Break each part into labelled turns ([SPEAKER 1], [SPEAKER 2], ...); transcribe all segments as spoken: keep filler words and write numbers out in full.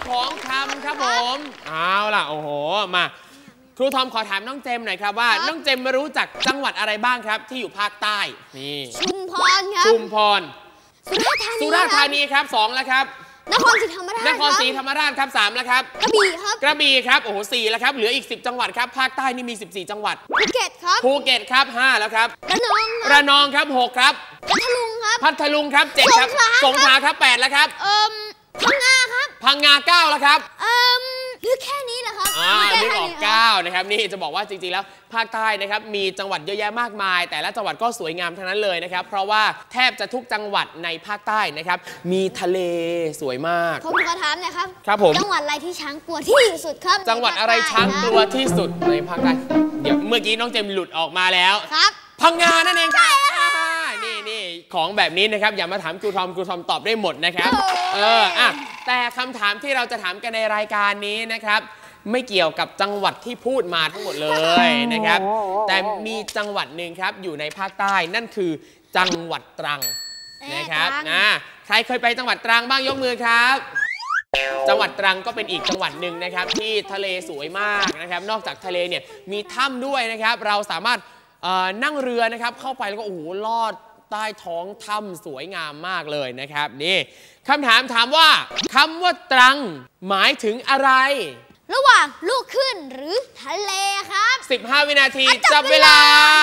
[SPEAKER 1] ของคำครับผมเอาล่ะโอ้โหมาครูทอมขอถามน้องเจมหน่อยครับว่าน้องเจมรู้จักจังหวัดอะไรบ้างครับที่อยู่ภาคใต้นี่
[SPEAKER 2] ชุมพรครับ
[SPEAKER 1] ชุมพร
[SPEAKER 2] สุราษฎร์ธานี
[SPEAKER 1] สุราษฎร์ธานีครับสองแล้วครับ
[SPEAKER 2] นครศรีธรรมราช
[SPEAKER 1] นครศรีธรรมราชครับสามแล้วครับ
[SPEAKER 2] กระบี่ครับ
[SPEAKER 1] กระบี่ครับโอ้โหสี่แล้วครับเหลืออีกสิบจังหวัดครับภาคใต้นี่มีสิบสี่จังหวัด
[SPEAKER 2] ภูเก็ตครับ
[SPEAKER 1] ภูเก็ตครับห้าแล้วครับ
[SPEAKER 2] ระนอง
[SPEAKER 1] ระนองครับหกครับ
[SPEAKER 2] พัทลุงครับ
[SPEAKER 1] พัทลุงครับเจ็ดครับสงขลาครับแปดแล้วครับ
[SPEAKER 2] เอ่อพังงาครับ
[SPEAKER 1] พังงาเก้าแล้วครับ
[SPEAKER 2] เอ่อหรือแค่นี้แหละครับ
[SPEAKER 1] อ่านึกออกเก้านะครับนี่จะบอกว่าจริงๆแล้วภาคใต้นะครับมีจังหวัดเยอะแยะมากมายแต่ละจังหวัดก็สวยงามทั้งนั้นเลยนะครับเพราะว่าแทบจะทุกจังหวัดในภาคใต้นะครับมีทะเลสวยมาก
[SPEAKER 2] ผมขอถามหน่อยครับ
[SPEAKER 1] ครับผม
[SPEAKER 2] จังหวัดอะไรที่ช้างกลัวที่สุดครับ
[SPEAKER 1] จังหวัดอะไรช้างกลัวที่สุดในภาคใต้เดี๋ยวเมื่อกี้น้องเจมหลุดออกมาแล้ว
[SPEAKER 2] ครับ
[SPEAKER 1] พังงานั่นเองครับนี่นี่ของแบบนี้นะครับอย่ามาถามครูทอมครูทอมตอบได้หมดนะครับเอออ่ะแต่คำถามที่เราจะถามกันในรายการนี้นะครับไม่เกี่ยวกับจังหวัดที่พูดมาทั้งหมดเลยนะครับแต่มีจังหวัดหนึ่งครับอยู่ในภาคใต้นั่นคือจังหวัดตรังนะครับนะใครเคยไปจังหวัดตรังบ้างยกมือครับจังหวัดตรังก็เป็นอีกจังหวัดหนึ่งนะครับที่ทะเลสวยมากนะครับนอกจากทะเลเนี่ยมีถ้ำด้วยนะครับเราสามารถนั่งเรือนะครับเข้าไปแล้วก็โอ้โหลอดใต้ท้องถ้ำสวยงามมากเลยนะครับนี่คำถามถามว่าคำว่าตรังหมายถึงอะไร
[SPEAKER 2] ระหว่างลูกขึ้นหรือทะเลครับ
[SPEAKER 1] สิบห้าวินาทีจับเวลา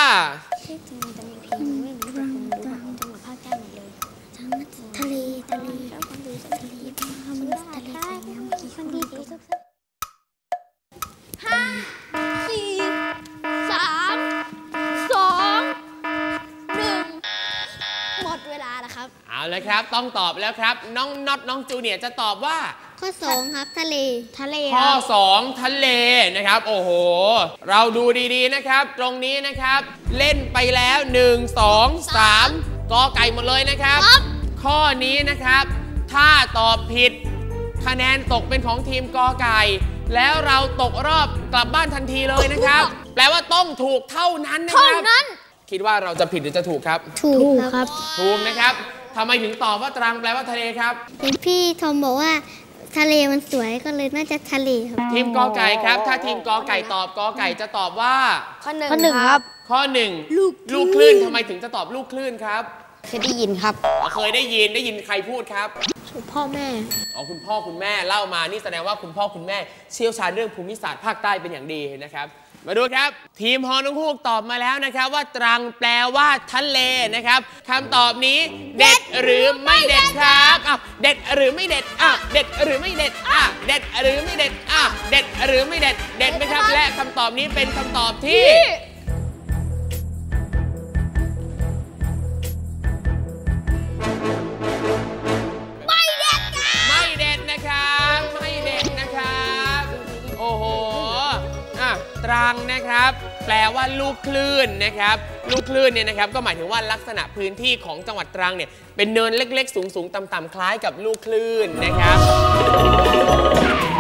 [SPEAKER 2] ทะเลทะเลห้าสี่สามสองหนึ่งหมดเวลาแล้วครับ
[SPEAKER 1] เอาเลยครับต้องตอบแล้วครับน้องน็อตน้องจูเนียร์จะตอบว่า
[SPEAKER 2] ข้อสองครับทะเลทะเล
[SPEAKER 1] ข้อสองทะเลนะครับโอ้โหเราดูดีๆนะครับตรงนี้นะครับเล่นไปแล้วหนึ่ง สอง สามกอไก่หมดเลยนะครับข้อนี้นะครับถ้าตอบผิดคะแนนตกเป็นของทีมกอไก่แล้วเราตกรอบกลับบ้านทันทีเลยนะครับแปลว่าต้องถูกเท่านั้นนะครับคิดว่าเราจะผิดหรือจะถูกครับ
[SPEAKER 2] ถูกครับ
[SPEAKER 1] ถูกนะครับทำไมถึงตอบว่าตรังแปลว่าทะเลครับ
[SPEAKER 2] เห็นพี่ทอมบอกว่าทะเลมันสวยก็เลยน่าจะทะเลครับ
[SPEAKER 1] ทีมกอไก่ครับถ้าทีมกอไก่ตอบกอไก่จะตอบว่า
[SPEAKER 2] ข้อหนึ่งครับ
[SPEAKER 1] ข้อหนึ่งลูกคลื่นทำไมถึงจะตอบลูกคลื่นครับ
[SPEAKER 2] เคยได้ยินครับ
[SPEAKER 1] เคยได้ยินได้ยินใครพูดครับ
[SPEAKER 2] พ่อแม่
[SPEAKER 1] อ๋อคุณพ่อคุณแม่เล่ามานี่แสดงว่าคุณพ่อคุณแม่เชี่ยวชาญเรื่องภูมิศาสตร์ภาคใต้เป็นอย่างดีนะครับมาดูครับทีมฮอนงฮูกตอบมาแล้วนะครับว่าตรังแปลว่าทะเลนะครับคำตอบนี้เด็ดหรือไม่เด็ดครับอ่ะเด็ดหรือไม่เด็ดอ่ะเด็ดหรือไม่เด็ดอ่ะเด็ดหรือไม่เด็ดอ่ะเด็ดหรือไม่เด็ดเด็ดไหมครับและคำตอบนี้เป็นคำตอบที่ไม่เด็ดไม่เด็ดนะครับไม่เด็ดนะครับโอ้โหตรังนะครับแปลว่าลูกคลื่นนะครับลูกคลื่นเนี่ยนะครับก็หมายถึงว่าลักษณะพื้นที่ของจังหวัดตรังเนี่ยเป็นเนินเล็กๆสูงๆต่ำๆคล้ายกับลูกคลื่นนะครับ